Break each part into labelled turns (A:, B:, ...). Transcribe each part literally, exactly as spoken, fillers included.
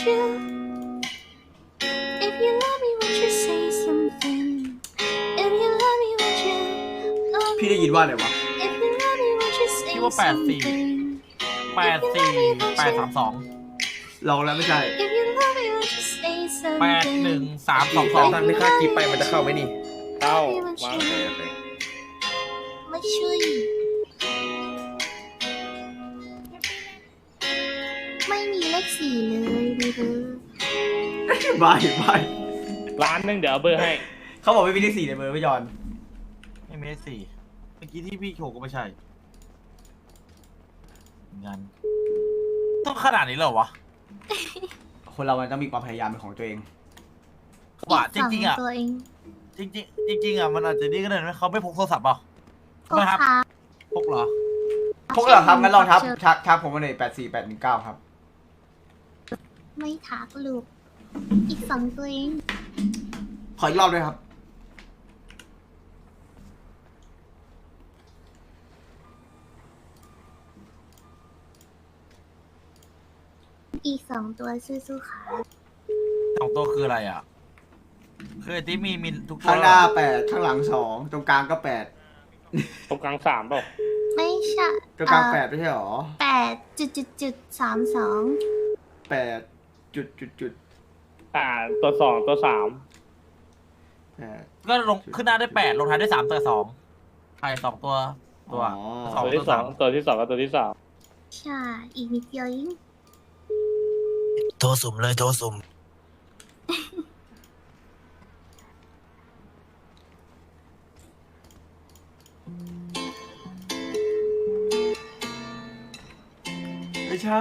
A: you if you love me won't you say something if you love me won't you love me
B: พี่ได้ยินว่าอะไรวะ
A: if you love me won't you say
C: พี่ว่าแปดสี่
A: something
C: แปดสี่แปดสามสอง
B: ลองแล้วไม่ใช่
A: if you love me won't you say
C: แปด
A: something
C: หนึ่งสามสองสอง
D: ตั้งไม่ค่าคลิปไปมันจะเข้าไหมนี่เข้า
A: ไม่
D: วางเลยเลย
A: ไม่ช่วยไม่มีเลขสี่เลยดูดู
B: บายบาย
D: ร้านหนึงเดี๋ยวเอาเบอร์ให้
B: เขาบอกไม่มีเลขสี่ในเบอร์พี่จอน
C: ไม่มีเลขสี่เมื่อกี้ที่พี่โชว์ก็ไม่ใช่งั้นต้องขนาดนี้เลยเหรอวะ
B: คนเรามันต้องมีความพยายามเป็นของตัวเอง
C: ว่าจริงๆอ่ะ
A: ตัวเอง
C: จริงๆจริงๆอ่ะมันอาจจะนี่ก็ได้ไหมเขาไม่พกโทรศัพท์เปล่า
A: ก็
C: ไม่ครับ
A: ค่ะ
C: พกเหรอ
B: พวกเราครับงั้นลองทับทักทักผมมาเลยแปดสี่แปดหนึ่งเก้าครับ
A: ไม่ทักลูกอีกสองตัวเอง
B: ขออีกรอบด้วยครับ
A: อีกสองตัวสู้ๆค่ะ
C: สองตัวคืออะไรอ่ะคือไอ้ที่มีมีทุกตัว
B: ข้างหน้าแปดข้างหลังสองตรงกลางก็แปด
D: ตรงกลางสามเปล่า
A: ไม่ใช่
B: ตรงกลาง
A: เอ่อ
B: แปดไม่ใช่หรอ
A: แปดจุดจุดจุดสามสอง
B: แปดจุดจุดจุด
D: อ่าตัวสองตัวสาม
B: แปด
C: ก็ลงขึ้นหน้าได้แปดลงท้ายได้สามตัวสองใช่สองตัวตัว
B: อ๋อ
C: สอง
D: ตัวที่สองตัวที่สองกับตัวที่สาม
A: ใช่อีกนิดเดียวเอง
E: โทรสุ่มเลยโทรสุ่ม
B: ไม่ใช่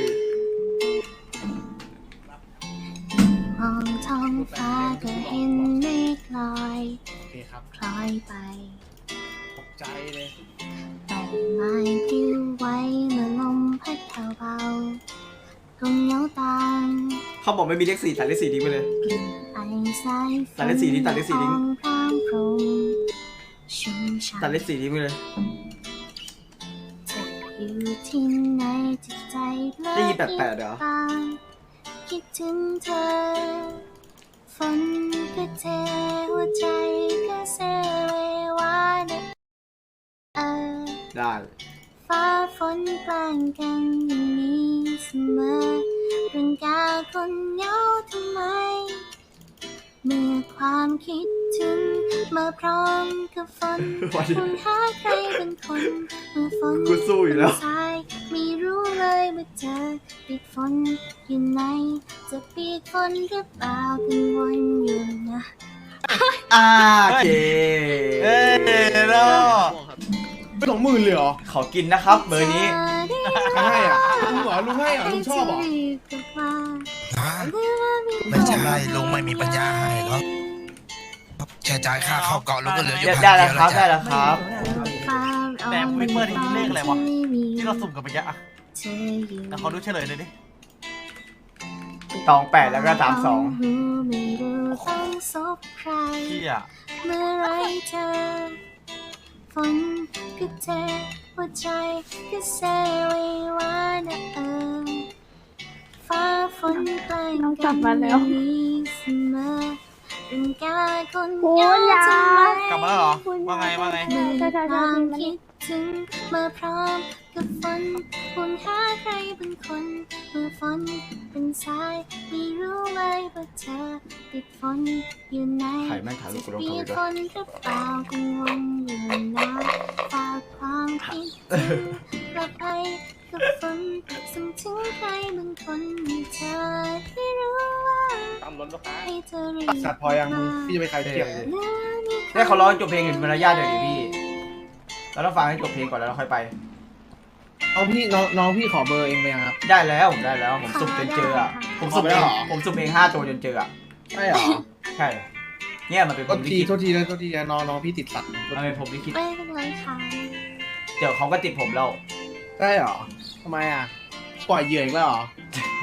A: มองท้องฟ้าก็เห็นเมฆลอย
F: โอเคครับ
A: คล้อยไป
F: ตกใจเลย
A: ใบไม้ปลิวไหวเมื่อลมพัดเบาๆตรงเงาตาม
B: เขาบอกไม่มีเลขสี่ตัดเลขสี่ทิ้งไปเลย
A: กลิ่นไอสายฝ
B: ตัดเลขสี่ดิตัดเลขสี่ดิ
A: ละอองพรางพรุงชุ่มฉ่ำ
B: ตัดเลขสี่ทิ้งไปเลย
A: เธออยู่ที่ไหนจิตใจเพลิ
B: ได้ยินแปลกๆเหรอ
A: ตามคิดถึงเธอ ฝนก็เทหัวใจก็เซเววานะเออ
B: ได้
A: ฟ้าฝนแกล้งกันอย่างนี้เสมอเรื่องกาคนเหงาทำไม เมื่อความคิดถึงมาพร้อมกับฝน
B: วันนี้
A: คุณหาใครเป็นคนเมื่อฝน
B: กูสู้อยู่แล้ว
A: เป็นสายไม่รู้เลยว่าเธอติดฝนอยู่ไหนจะปีกฝนหรือเปล่ากังวลอยู่นะ
B: อ่าโอเค
C: เอ้ยเนาะ
F: ไม่สองหมื่นเลยเหรอ
B: ขอกินนะครับ เบอร์นี้
F: ใครให้อ่ะลุงเหรอลุงให้เหรอลุงชอบเหรอ
E: ฮะไม่ใช่ลุงไม่มีปัญญาให้หรอกแค่จ่ายค่าเข้าเกาะลุงก็เหลืออยู่พัน
B: ได้
E: เดี
B: แล้
E: ยว ว
B: ครั
E: แล้
B: บ
E: ว
B: ได้
E: จ้ะ
B: แล้วครับ
C: แต่วิปเปอร์นี่เลขอะไรวะที่เราสุ่มกันไปเยอะอะ
A: เธออยู่
C: แต่เขาดูเฉลยเลยดิ
B: ตองแปดแล้วก็ตามสอง
A: ไม่รู้ต้องซบใคร
C: พี่อ่ะ
A: เมื่อไรเธอฝนก็เทหัวใจก็เซเววานะเออฟ้าฝนแกล้งกันอย่างนี้เสมอเรื่องกาคนเหงาทำไม
C: กลับมาแล้วเหรอว่าไงว่าไง
A: เมื่อความคิดถึงมาพร้อมกับฝนคุณหาใครเป็นคนเมื่อฝนเป็นสายไม่รู้เลยว่าเธอติดฝนอยู่ไหน
B: ใครแม่งถ่ายรูปกูลง
A: จะ
B: ทวิ
A: มี
B: ตด้วย
A: คนหรือเปล่ากังวลอยู่นะฝากความคิดถึงกลับไปกับฝนส่งถึงใครบางคนให้เธอที่รู้ว่า
D: ตามรถลูกค้า
A: ให้เธอรีบ
F: สัตว์พอยังมึงพี่จะไปขายเทียบเลย
B: ได้เขาร้องจบเพลงถึงมารยาทเดี๋ยวดิพี่ เราต้องฟังให้จบเพลงก่อนแล้วเราค่อยไป
F: เอาพี่น้องน้องพี่ขอเบอร์เองไปยังครับ
B: ได้แล้วผมได้แล้วผมสุ่มจนเจออ่ะ ผมสุ่มเอง
F: เอาไปแล้วเหรอ
B: ผมสุ่มเองห้าตัวจนเจออ่ะ
F: ใช่เหรอ
B: ใช่ เนี่ยมันเป็นผ
F: โท
B: ม
F: ษ
B: ลิ
F: ที
B: ขิต
F: โทษทีนะโทษทีนะน้องน้องพี่ติดสัตว์
B: มันเป็นผมลิขิต
A: ไม่เป็นไรค่ะ
B: เดี๋ยวเขาก็ติดผมแล้ว
F: ใช่เหรอทำไมอ่ะปล่อยเหยื่ออีกแล้วเหรอ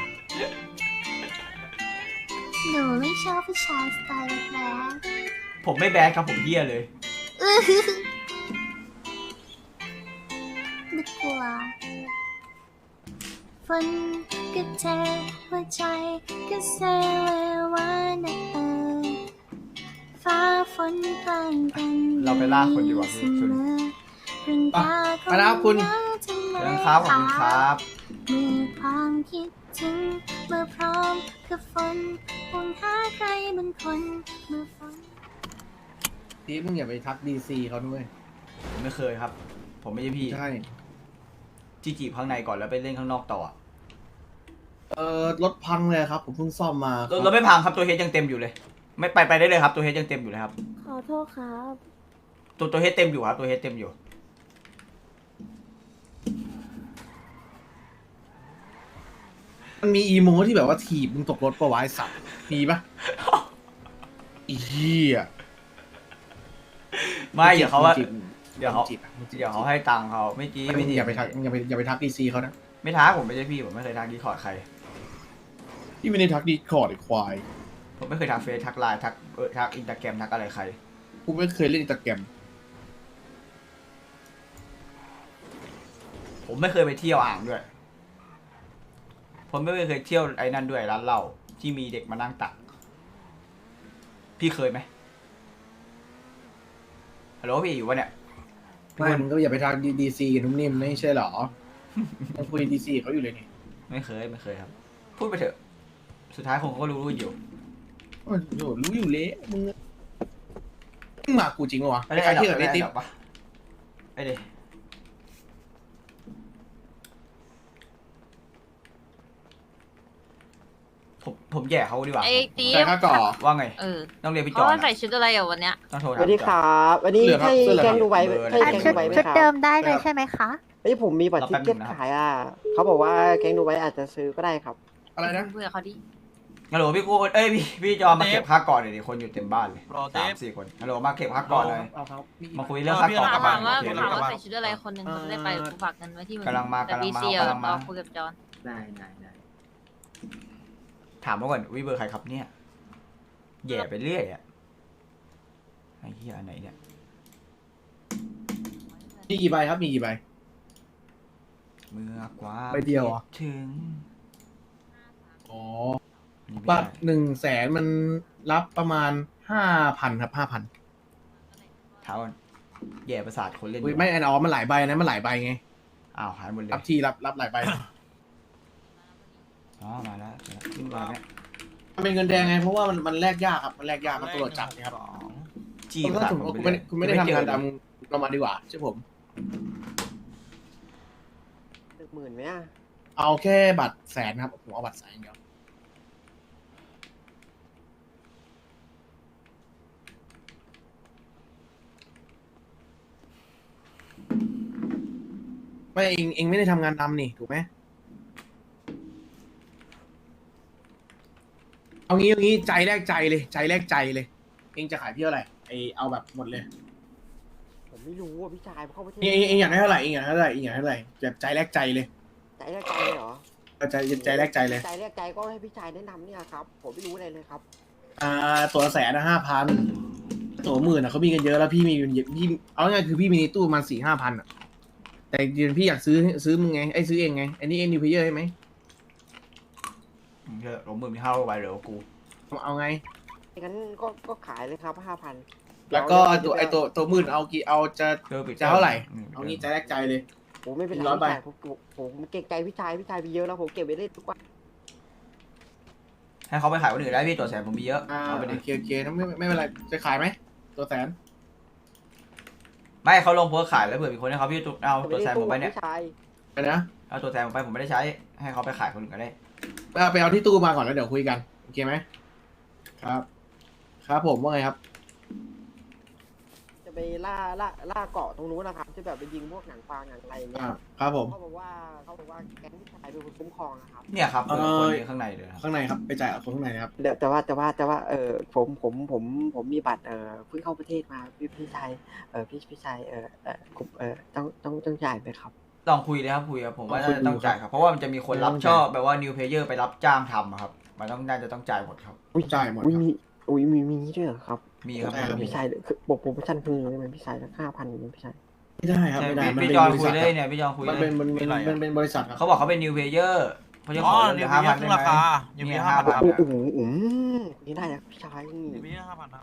A: หนูไม่ชอบผู้ชายสไตล์แบด
B: ผมไม่แบดครับผมเฮี้ยเลย
A: ๆอื้อนึกกลัวฝนก็ก็เจ็บหัวใจก็เซเลวานะเออฟ้าฝนแกล้งกัน
B: เราไปล่าคนดีกว่าพี่สุน
A: เรื่องราวของ
F: ไปแล้วคุณ
A: เราทำไม
B: เชิญครับขอบคุณครับ
A: เมื่อความคิดถึงเมื่อพร้อมกับฝนห่วงหาใครบางคนเมื่อฝน
F: ทีมึงอย่าไปทักดีซีเขาด้วย
B: ผมไม่เคยครับ ผมไม่ใช่พี่
F: ใช่
B: จีจีบข้างในก่อนแล้วไปเล่นข้างนอกต่อ
F: เออรถพังเลยครับ ผมเพิ่งซ่อมมาค
B: ร
F: รั
B: ถ
F: บ
B: รถไม่พังครับตัวเฮดยังเต็มอยู่เลย ไม่ไปไปได้เลยครับตัวเฮดยังเต็มอยู่เลยครับ
G: ขอโทษครับ
B: ตัวตัวเฮดเต็มอยู่ครับตัวเฮดเต็มอยู่
F: มันมีอีโมที่แบบว่าถีบมึงตกรถปะวะไอ้สัตว์มีปะอีเหี้ย
B: ไม่เดี๋ยวเขาว่า
F: จีบ
B: เดี๋ยวเขา
F: จีบอะมึงจีบ
B: เดี๋ยวเขาให้ตังค์เขาไม่จี
F: ไม่
B: ไม่จี
F: อย่าไปทักอย่าไปอย่าไปทักดีซีเขานะ
B: ไม่ท้าผมไม่ใช่พี่ผมไม่เคยทักดีคอร์ดใคร
F: พี่ไม่ได้ทักดีคอร์ดไอ้ควาย
B: ผมไม่เคยทักเฟซทักไลน์ทักเออทักอินสตาแกรมทักอะไรใคร
F: กูไม่เคยเล่นอินสตาแกรม
B: ผมไม่เคยไปเที่ยวอ่างด้วย ผมไม่เคยเที่ยวไอ้นั่นด้วยร้านเหล้าที่มีเด็กมานั่งตัก พี่เคยไหมฮัลโหลพี่อยู่วะเนี่ย
F: ไม่มึงก็อย่าไปทักดีซีกับนุ่มนิ่มไม่ใช่เหรอยังคุยดีซีเขาอยู่เลยนี่
B: ไม่เคยไม่เคยครับ พูดไปเถอะ สุดท้ายคงเขาก็รู้รู้อยู่
F: โอ้โหรู้อยู่เละมึงมึงมากูจริงปะวะ
B: ไม่ได้
F: ใคร
B: หรอก
F: ที่แบบ
B: ไม่
F: ไอ้
B: ได้
F: ติ๊บ
B: หรอกปะไอ้เดผมผมแย่เขาดีกว่า
H: ไอ้ตี
F: ใส่ข้าก่อ
B: ว่าไง
H: เออ
B: ต้องเรียนพี่จ
H: เขา
B: อน
H: ว่าใส่
B: อะ
H: ชุดอะไรอ่ะวันเนี้ย
B: ต้องโทร
I: ส
B: ถาม
I: วัสดี
B: พี่จ
I: ค
B: อน
I: รับวันนี้
F: เหลือครับ
I: ใช่
F: เสื้อเหลือง
I: แกงดูไว้
B: เบอร์อะไร
I: ใช่
A: อ่ะ
I: แกง
A: ชุ
I: ดู
A: ด
I: ไว้ไหม
A: ชุด
I: ครับ
A: เดิมได้เลยใช่ไหมคะ
I: เฮ้ยผมมีบัตร
B: รอ
I: ทิ
B: แป๊บ
I: เก็ต
B: นึงนะครับ
I: ขายอ่ะเขาบอกว่าแกงดูไว้อาจจะซื้อก็ได้ครับ
F: อะไรนะ
H: เพื่อเขาดิ
B: ฮัลโหลพี่กูเอ้ยพี่พี่จอนมาเก็บค่าก่อนหน่อยดิคนอยู่เต็มบ้านเลย
C: รอเท
B: สาม
C: ป
B: สี่คนฮัลโหลมาเก็บค่าก่อนหน่อย
F: เอาครับมี
B: มาคุยเรื่องค่าก่อน
C: เออพี่
B: กับ
C: เร
B: บ้า
H: ถาน มว่า
B: โอเค
H: ถาม
B: แล้ว
H: ว่าใส่ชุดอะไรคนหนึ่งเขาจะได้ไปกูฝากเงินไว้ที่มึง
B: กำลังมา
H: แต่
B: กำลัง
H: ดี
B: มา
H: ซี
B: กำลังมา
H: เราคุยกับจอน
J: ได้ได้ได้
B: ถามมาก่อนวิเบอร์ใครครับเนี่ยแย่ไปเรื่อยอะไอ้เหี้ยอันไหนเนี่ย
F: มีกี่ใบครับมีกี่ใบ
B: เมื่อกว่า
F: ใบเดียวเหรอ
B: คิถึง
F: อ๋อ
B: นี่ไม่
F: บัตร
B: ได้
F: หนึ่งแสนมันรับประมาณห้าพันครับห้าพัน
B: ถามก่อนแย่ประสาทคนเล่น
F: อุ้ยไม่อันอ๋อมันหลายใบนะมันหลายใบไง
B: อ้าวหายหมดเลย
F: รับทีรับรับหลายใบ
B: อ๋อมาแล้วขึ้นมาแล้ว
F: มันเป็นเงินแดงไงเพราะว่ามันมันแลกยากครับมันแลกยากครับตำรวจจับนะครับ
B: จี
F: คุณ
B: ประ
F: ถ้า
B: สาท
F: สมม
B: ผม
F: ติ
B: ไป
F: คุณ
B: เรื่
F: ไม่
B: อย
F: ได้คุณไม่ได้ทำงาน
B: เจอ
F: ดำเรามาดีกว่าใช่ผม
I: หนึ่งหมื่นไหมอ่ะ
F: เอาแค่บัตรแสนครับผมเอาบัตรแสนอย่างเดียวไม่เองเองไม่ได้ทำงานดำนี่ถูกไหมเอางี้เอางี้ใจแรกใจเลยใจแรกใจเลย เองจะขายพี่เท่าไหร่ไอเอาแบบหมดเลย
I: ผมไม่รู้อ่ะพี่ชายเข้าประเทศ
F: เองเองเองอยากได้เท่าไหร่เองอยากได้เท่าไหร่เองอยากได้เท่าไหร่แบบใจแรกใจเลย
I: ใจแรกใจเลยเหรอ
F: เอาใจใจแรกใจเลย
I: ใจแรกใจก็ให้พี่ชายแนะนำเนี่ยครับผมไม่รู้อะไรเลยครับ
F: อ่าตัวละแสนนะห้าพันตัวหมื่นอ่ะเขามีกันเยอะแล้วพี่มีเงินเยอะพี่เอาง่ายๆคือพี่มีในตู้ประมาณสี่ห้าพันอ่ะแต่ยืนพี่อยากซื้อซื้อมึงไงไอ้ซื้อเองไงอันนี้เอ็นดิวเพเยอร์ใช่ไหม
B: เยอะลงมือมีห้าร้อยใบเหลือกู
F: เอาเอาไง
I: งั้นก็ก็ขายเลยครับห้าพัน
F: แล้วก็ตัวไอ้ตัวตัวหมื่นเอากี่เอาจะ
B: เจอปิด
F: จะเท่าไหร่
B: อืม
F: เอางี้ใจแรกใจเลย
I: ผมไม่เป็นไร
F: ร้อยใบ
I: พี่ชายผมผมผมเก่งใจพี่ชายพี่ชายมีเยอะแล้วผมเก็บไว้เล่นทุกวัน
B: ให้เขาไปขายคนอื่นได้พี่ตัวแสนผมมีเยอะ
F: อ่า
B: เอาไป
F: โอ
B: ดิ
F: เคโอเคงั้นไม่ไม่เป็นไรจะขายไหมตัวแสน
B: ไม่เขาลงโพสต์ขายแล้วเผื่อมีคนให้เขาพี่ตุ๊กเอาตัวแสนผมไปเนี่ย
I: พี่ชาย
F: ไปนะ
B: เอาตัวแสนผมไปผมไม่ได้ใช้ให้เขาไปขายคนอื่นก็ได้
F: ไปเอาไปเอาที่ตู้มาก่อนแล้วเดี๋ยวคุยกันโอเคไหมครับ ครับผมว่าไงครับ
I: จะไปล่าล่าล่าเกาะตรงนู้นนะครับจะแบบไปยิงพวกหนังปลาหนังอะไรอย่างเงี้
F: อ่าย ครับผม
I: เขาบอกว่าเขาบอกว่าแก๊งพี่ชายเป็นคนคุ้มครองนะครับ
B: เนี่ยครับ
F: เอ่อ
B: คนนี้ข้างในเลยครับ
F: ข้างในครับไปจ่ายเอาคนข้างในนะครับ
I: เดี๋ยวแต่ว่าแต่ว่าแต่ว่าเออผมผมผมผมมีบัตรเออเพิ่งเข้าประเทศมาพี่พี่ชายเออพี่พี่ชายเออเออผมเออต้องต้องต้องจ่ายไหมครับ
B: ลองคุยเลยครับคุยครับผมว่า
F: ลองคุย
B: น่าจะต้อง
F: ดูครับ
B: จ่ายครับเพราะว่ามันจะมีคนรับ
F: ต้อง
B: ช
F: จ่าย
B: อบแบบว่า new player ไปรับจ้างทำอะครับมันต้องน่าจะต้องจ่ายหมดครับ
I: อุ้ย
F: จ่ายหมด
I: อุ้ย
F: ครับ
I: มีอุ้ยมีมีนี้ด้วยเหรอครับ
B: มีครับ
F: ใช่ครับ
I: พี่ชายคือบอกโปรโมชั่นเพิ่มเลยไหมพี่ชายละห้าพันอย่างนี้พี่ชาย
F: ไม่ได้ครับ
B: ใช่
F: ไม่ได้
B: พี่
F: มัน
B: พี่
F: เป็น
B: จอน
F: บริ
B: คุ
F: ษั
B: ย
F: ท
B: เล
F: ครั
B: ย
F: บ
B: เนี่ยพี่จอนคุย
F: มัน
B: เล
F: เป็น
B: ย
F: มันเป็นมันเป็นบริษัทครับ
B: เขาบอกเขาเป็น new player เขาจะ
C: อ๋
B: ข
C: อ
B: อเหลื
C: เดี๋ย
B: อ
C: ว
B: ห้า
C: มี
B: พัน
C: ขึ้
B: ได้
C: น
B: ไหม
C: ราคาเดี๋ยวมี
B: เนี่ย
C: ห้าพัน
B: 5,000
C: ครับ
I: โอ้โหอืมนี่ได้นะพี่ชาย
C: เดี๋ยวมีห้าพันครับ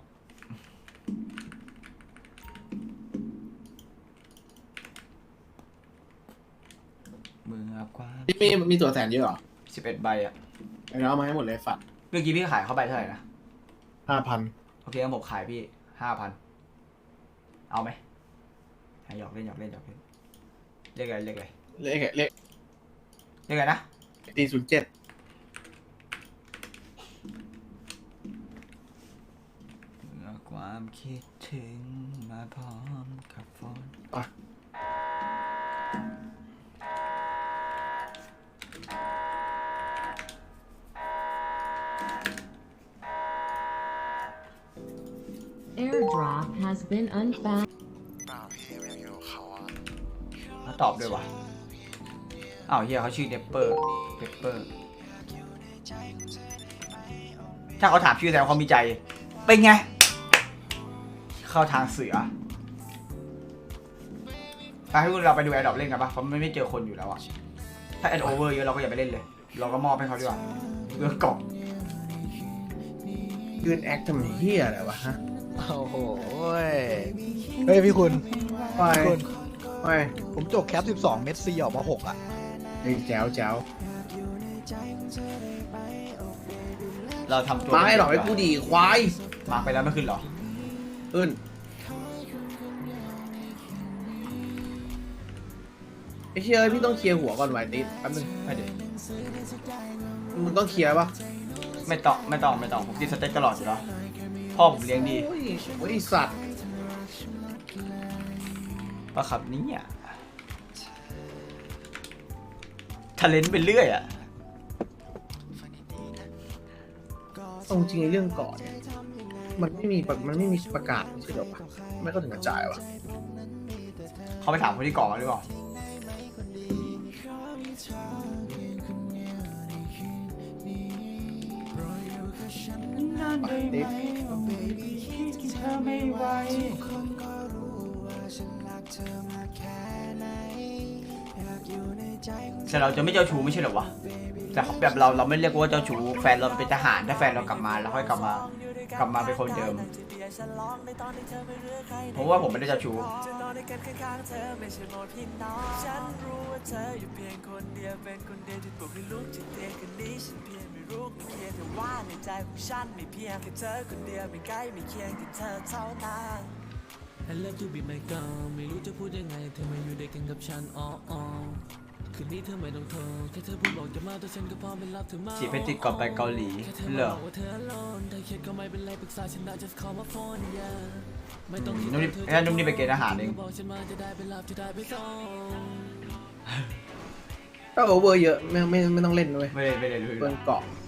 B: มือกว้าง
F: พี่มีมีตัวแสนเยอะเหรอ
B: สิบเอ็ดใบอ่ะ
F: เอาเอามาให้หมดเลยฝัด
B: เมื่อกี้พี่ขายเข้าไปเท่าไหร่นะ
F: ห้าพัน
B: โอเคงั้นผมขายพี่ห้าพันเอาไหมหยอกเล่นหยอกเล่นหยอกเล่นเรียกอะไรเรียกอะไร
F: เลขเลข
B: เรียกอะไรนะ
F: ตีศูนย์เจ็ด
B: เมื่อความคิดถึงมาพร้อมกับฝน
F: อ่ะ
G: Airdrop has been unfound.
B: เขาตอบด้วยวะอ้าวเฮียเขาชื่อเดปเปอร์เดปเปอร์ถ้าเขาถามชื่อแสดงว่าเขามีใจเป็นไงเข้าทางเสือไปให้พวกเราไปดูแอดดอปเล่นกันปะเพราะมันไม่เจอคนอยู่แล้วอะถ้าแอดโอเวอร์เยอะเราก็อย่าไปเล่นเลย เราก็มอบให้เขาดีกว่าเรื่องกล่อง
F: ยืนแอคทำเฮียอะไรวะฮะ
J: โอ้โหเฮ้ยพี่คุณ
F: ไป
J: พี่คุณ
F: ไป
J: ผมจบแคปสิบสองเม็ดซีออกมาหกอ่ะ
F: เฮ้ยแจ๋วแจ๋ว
B: เราทำตัว
F: มาให้หรอกไอ้กูดีควาย
B: มาไปแล้วไม่ขึ้นหรอ
F: ขึ้นไอ้เชี่ยพี่ต้องเคลียร์หัวก่อนไว้ติ๊ดแป๊บนึง
B: ไม่เดี๋ยว
F: มึงต้องเคลียร์ปะ
B: ไม่ต้องไม่ต้องไม่ต้องผมกินสเต็กตลอดอยู่แล้วพ่อผมเลี้ยงดี
F: โอ้ยโอ้ยสัตว์
B: ปะครับนี่อ่ะทะเลนไปเรื่อยอ่ะ
F: เอาจริงในเรื่องก่อนเนี่ยมันไม่มีประมันไม่มีประกาศไม่ใช่หรอวะไม่ก็ถึงกระจายวะ
B: เขาไปถามคนที่ก่อมาหรือเปล่า
F: ติ๊ด
B: แต่เราจะไม่เจ้าชู้ไม่ใช่เหรอวะแต่แบบเราเราไม่เรียกว่าเจ้าชู้แฟนเราเป็นทหารถ้าแฟนเรากลับมาแล้วค่อยกลับมากลับมาเป็นคนเดิมผมว่าผมไม่ได้เจ้าชู้จีบไปติดก่อนไปเกาหลีเหรอนุ่มนี่แค่นุ่มนี่ไปเกณฑ์อาหารเอง
F: ถ้าโอเวอร์เยอะไม่ไม่ไม่ต้องเล่นด้วย
B: ไม่ได้ไม่ได้เลย
F: เปินเกาะ